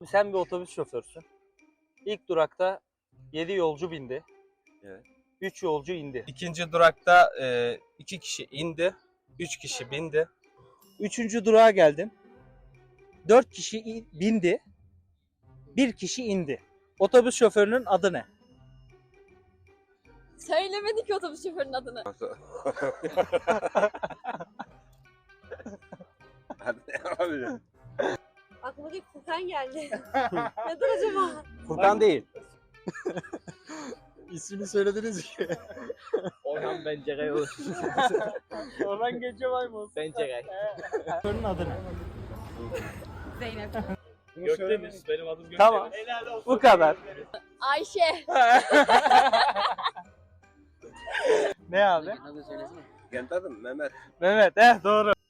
Sen bir otobüs şoförsün. İlk durakta 7 yolcu bindi. Evet. 3 yolcu indi. İkinci durakta 2 kişi indi. 3 kişi bindi. 3. durağa geldin. 4 kişi bindi. 1 kişi indi. Otobüs şoförünün adı ne? Söylemedi ki otobüs şoförünün adını. Hadi ne yapabilirim? Aklıma ilk Furkan geldi. Nedir acaba? Furkan değil. İsmini söylediniz ki. Orhan Bencegay olur. Orhan Gencebay mı? Bencegay. Şoförünün adı ne? Zeynep. Gökdeniz. Benim adım Gökdeniz. Tamam. Bu kadar. Ayşe. Ne abi? Kendi adım Mehmet. Mehmet, doğru.